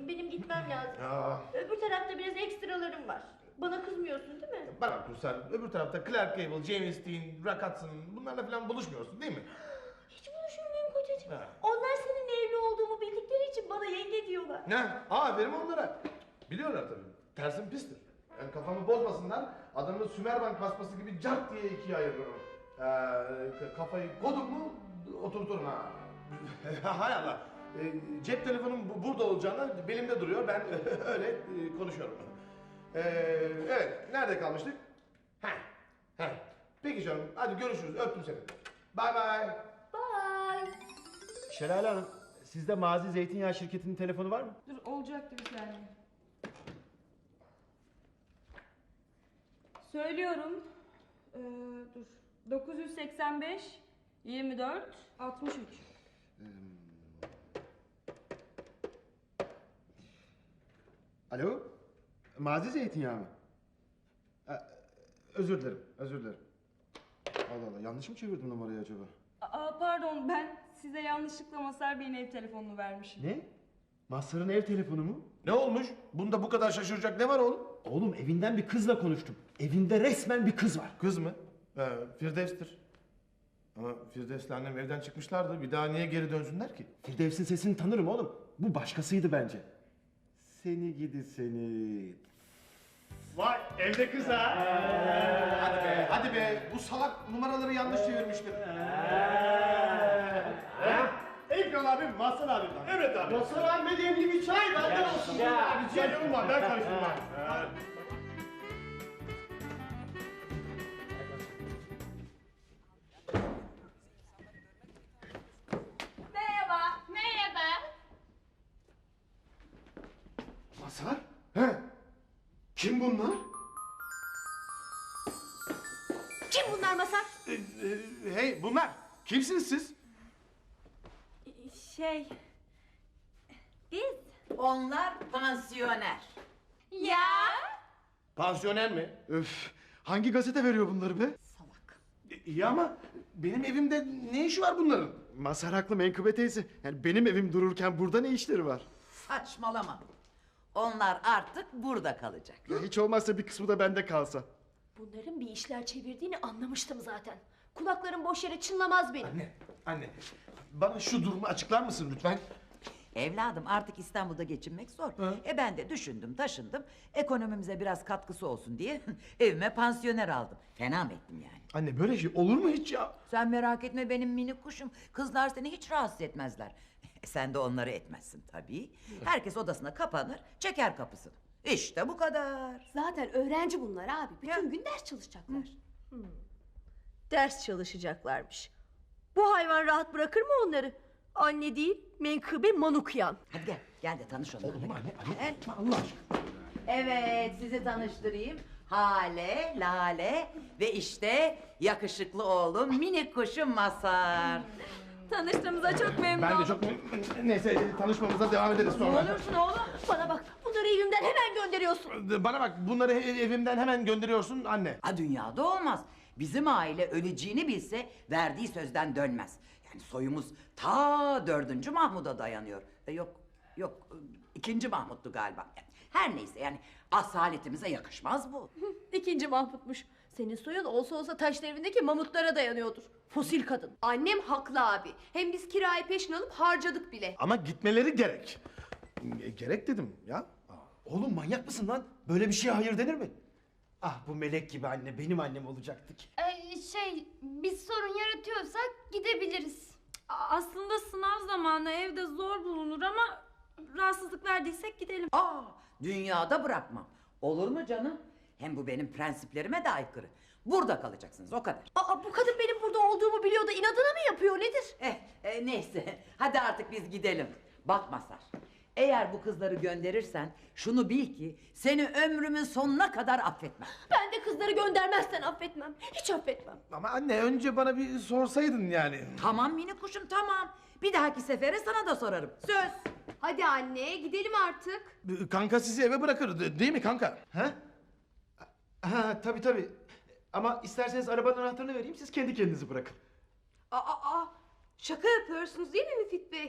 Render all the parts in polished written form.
Benim gitmem lazım. Ya. Öbür tarafta biraz ekstralarım var. Bana kızmıyorsun değil mi? Bana bak Ruslar, öbür tarafta Clark Gable, James Dean, Rock Hudson bunlarla falan buluşmuyorsun değil mi? Hiç buluşmuyorum kocacığım. Ha. Onlar senin evli olduğumu bildikleri için bana yenge diyorlar. Ne? Aferin onlara. Biliyorlar tabii. Tersim pistir. Yani kafamı bozmasınlar. Adamı Sümerbank basması gibi cart diye ikiye ayırırım. Kafayı kodum mu oturturum ha. Hay Allah. Cep telefonum burada olacağına belimde duruyor. Ben öyle konuşuyorum. Evet. Nerede kalmıştık? Heh. Peki canım. Hadi görüşürüz. Öptüm seni. Bye bye. Bye. Şelale Hanım, sizde Mazi Zeytinyağı şirketinin telefonu var mı? Dur olacaktı bir saniye. Söylüyorum. Dur. 985 24 63. Alo? Mazi Zeytinyağı mı? Özür dilerim, özür dilerim. Allah Allah, yanlış mı çevirdim numarayı acaba? Pardon, ben size yanlışlıkla Masar Bey'in ev telefonunu vermişim. Ne? Mazhar'ın ev telefonu mu? Ne olmuş? Bunda bu kadar şaşıracak ne var oğlum? Oğlum evinden bir kızla konuştum. Evinde resmen bir kız var. Kız mı? Firdevs'tir. Ama Firdevs'le annem evden çıkmışlardı. Bir daha niye geri dönsünler ki? Firdevs'in sesini tanırım oğlum. Bu başkasıydı bence. Seni gidi seni. Vay evde kız ha. Hadi be. Bu salak numaraları yanlış çevirmiştir. Ekran abi, Mazhar abi. Evet abi. Mazhar abi demli bir çay benden olsun. Rica ediyorum var, ben karıştırmam. Merhaba. Merhaba. Mazhar? He? Kim bunlar? Kim bunlar Masar? Hey bunlar. Kimsiniz siz? Biz. Onlar pansiyoner. Ya. Pansiyoner mi? Öf, hangi gazete veriyor bunları be? Salak. İyi ama benim evimde ne işi var bunların? Mazhar haklı Menkıbe teyze. Yani benim evim dururken burada ne işleri var? Saçmalama. Onlar artık burada kalacak. Ya hiç olmazsa bir kısmı da bende kalsa. Bunların bir işler çevirdiğini anlamıştım zaten. Kulaklarım boş yere çınlamaz benim. Anne. Bana şu durumu açıklar mısın lütfen? Evladım artık İstanbul'da geçinmek zor. Ben de düşündüm taşındım. Ekonomimize biraz katkısı olsun diye evime pansiyoner aldım. Fena mı ettim yani? Anne böyle şey olur mu hiç ya? Sen merak etme benim minik kuşum. Kızlar seni hiç rahatsız etmezler. Sen de onları etmezsin tabii. Herkes odasına kapanır, çeker kapısını. İşte bu kadar. Zaten öğrenci bunlar abi. Bütün gün ders çalışacaklar. Ders çalışacaklarmış. Bu hayvan rahat bırakır mı onları? Anne değil, menkıbe manukyan. Hadi gel de tanış onlarla. Oğlum anne Gel. Allah aşkına. Evet, sizi tanıştırayım. Hale, Lale ve işte yakışıklı oğlum minik kuşum Mazhar. Tanıştığımıza çok memnun Ben de oldum. çok neyse tanışmamıza devam ederiz sonra. Ne olursun oğlum. Bana bak, bunları evimden hemen gönderiyorsun. Bana bak bunları evimden hemen gönderiyorsun anne. Ha dünyada olmaz. Bizim aile öleceğini bilse verdiği sözden dönmez. Yani soyumuz ta 4. Mahmud'a dayanıyor. Yok 2. Mahmud'du galiba. Her neyse yani asaletimize yakışmaz bu. İkinci Mahmut'muş. Senin soyun olsa olsa taş devrindeki mamutlara dayanıyordur. Fosil kadın. Annem haklı abi. Hem biz kirayı peşin alıp harcadık bile. Ama gitmeleri gerek. Gerek dedim ya. Oğlum manyak mısın lan? Böyle bir şeye hayır denir mi? Ah bu melek gibi anne benim annem olacaktı ki. Biz sorun yaratıyorsak gidebiliriz. Aslında sınav zamanı evde zor bulunur ama rahatsızlık verdiysek gidelim. Dünyada bırakmam. Olur mu canım? Hem bu benim prensiplerime de aykırı. Burada kalacaksınız o kadar. Bu kadın benim burada olduğumu biliyor da inadına mı yapıyor nedir? Neyse hadi artık biz gidelim. Bak Mazhar, eğer bu kızları gönderirsen şunu bil ki seni ömrümün sonuna kadar affetmem. Ben de kızları göndermezsen affetmem. Hiç affetmem. Ama anne önce bana bir sorsaydın yani. Tamam minik kuşum tamam. Bir dahaki sefere sana da sorarım. Söz. Hadi anne gidelim artık. Kanka sizi eve bırakır değil mi kanka? Ha? Ha tabii. Ama isterseniz arabanın anahtarını vereyim siz kendi kendinizi bırakın. Şaka yapıyorsunuz değil mi Müfit Bey?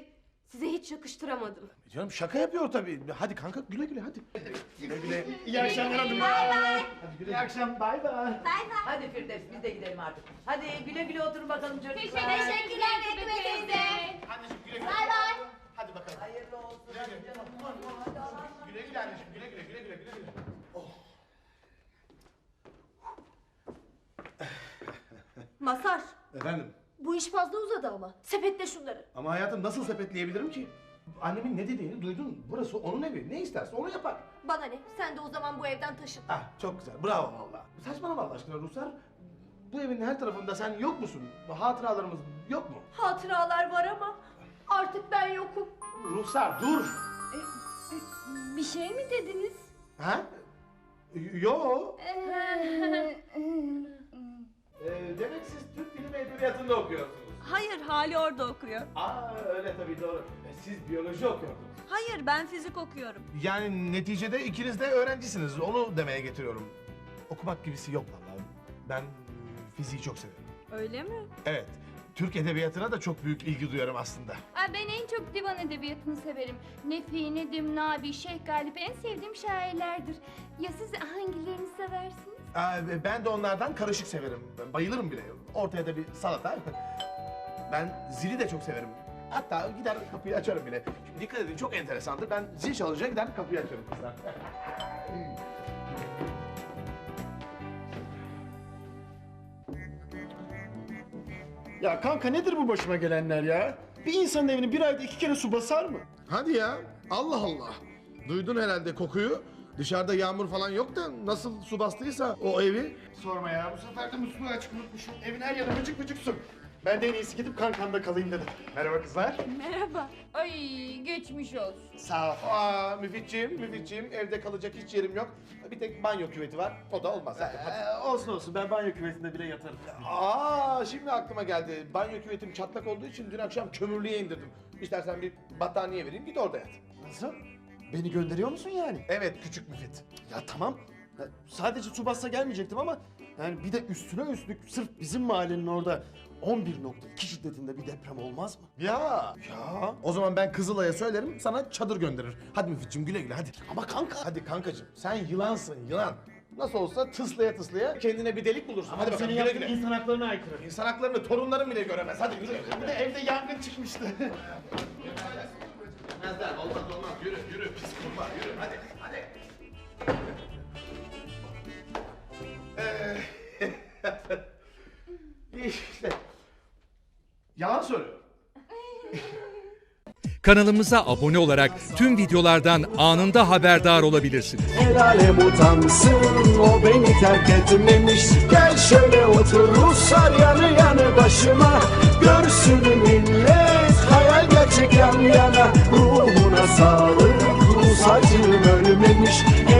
Size hiç yakıştıramadım. Canım şaka yapıyor tabii. Hadi kanka güle güle hadi. Güle güle. İyi akşamlar hanımlar. İyi akşam. Bay bay. Hadi Firdevs biz de gidelim artık. Hadi güle güle oturun bakalım çocuklar. Teşekkürler Betül teyze. Anneciğim güle güle. Bay bay. Hadi bakalım. Hayırlı olsun. Güle güle anneciğim güle güle güle güle güle güle. Masar, Efendim? bu iş fazla uzadı ama. Sepetle şunları. Ama hayatım nasıl sepetleyebilirim ki? Annemin ne dediğini duydun. Burası onun evi. Ne isterse onu yapar. Bana ne? Sen de o zaman bu evden taşın. Ah çok güzel. Bravo valla. Saçmalama Allah aşkına Ruslar. Bu evin her tarafında sen yok musun? Hatıralarımız yok mu? Hatıralar var ama artık ben yokum. Ruslar dur. Bir şey mi dediniz? Ha? Yo. Demek siz Türk Dili ve Edebiyatı'nda okuyorsunuz. Hayır, Hali orada okuyor. Aa öyle tabii doğru. Siz biyoloji okuyordunuz. Hayır, ben fizik okuyorum. Yani neticede ikiniz de öğrencisiniz. Onu demeye getiriyorum. Okumak gibisi yok vallahi. Ben fiziği çok severim. Öyle mi? Evet. Türk edebiyatına da çok büyük ilgi duyarım aslında. Ben en çok divan edebiyatını severim. Nefi, Nedim, Nabi, Şeyh Galip en sevdiğim şairlerdir. Ya siz hangilerini seversiniz? Ben de onlardan karışık severim. Ben bayılırım bile. Ortaya da bir salata. Ben zili de çok severim. Hatta gider kapıyı açarım bile. Şimdi dikkat edin çok enteresandır. Ben zil çalınca gider kapıyı açarım kızlar. Ya kanka nedir bu başıma gelenler ya? Bir insanın evini bir ayda 2 kere su basar mı? Hadi ya. Allah Allah. Duydun herhalde kokuyu. Dışarıda yağmur falan yok da nasıl su bastıysa o evi. Sorma ya, bu sefer de musluğu açık unutmuşum. Evin her yanı vıcık vıcık su. Ben de en iyisi gidip kankamda kalayım dedim. Merhaba kızlar. Merhaba. Ay geçmiş olsun. Sağ ol. Aa Müfitciğim evde kalacak hiç yerim yok. Bir tek banyo küveti var. O da olmaz. Olsun olsun, ben banyo küvetinde bile yatarım. Şimdi aklıma geldi. Banyo küvetim çatlak olduğu için dün akşam kömürlüğe indirdim. İstersen bir battaniye vereyim git orada yat. Nasıl? Beni gönderiyor musun yani? Evet küçük Müfit. Ya tamam. Ya, sadece su bassa gelmeyecektim ama yani bir de üstüne üstlük sırf bizim mahallenin orada 11.2 şiddetinde bir deprem olmaz mı? Ya. O zaman ben Kızılay'a söylerim sana çadır gönderir. Hadi Müfitciğim güle güle hadi. Ama kanka. Hadi kankacığım sen yılansın yılan. Nasıl olsa tıslaya kendine bir delik bulursun. Hadi bakalım senin güle yaptığın güle. insan haklarına aykırı. İnsan haklarını torunların bile göremez. Hadi yürü. Bir de evde yangın çıkmıştı. Olmaz olmaz yürü pis kurbağa yürü hadi. İşte yalan söylüyorum. Kanalımıza abone olarak tüm videolardan anında haberdar olabilirsiniz. El alem utansın o beni terk etmemiş. Gel şöyle otur Ruslar yanı yanı başıma. Görsün millet hayal gerçek yan yana. Ruhuna sağlık Rus acım ölmemiş.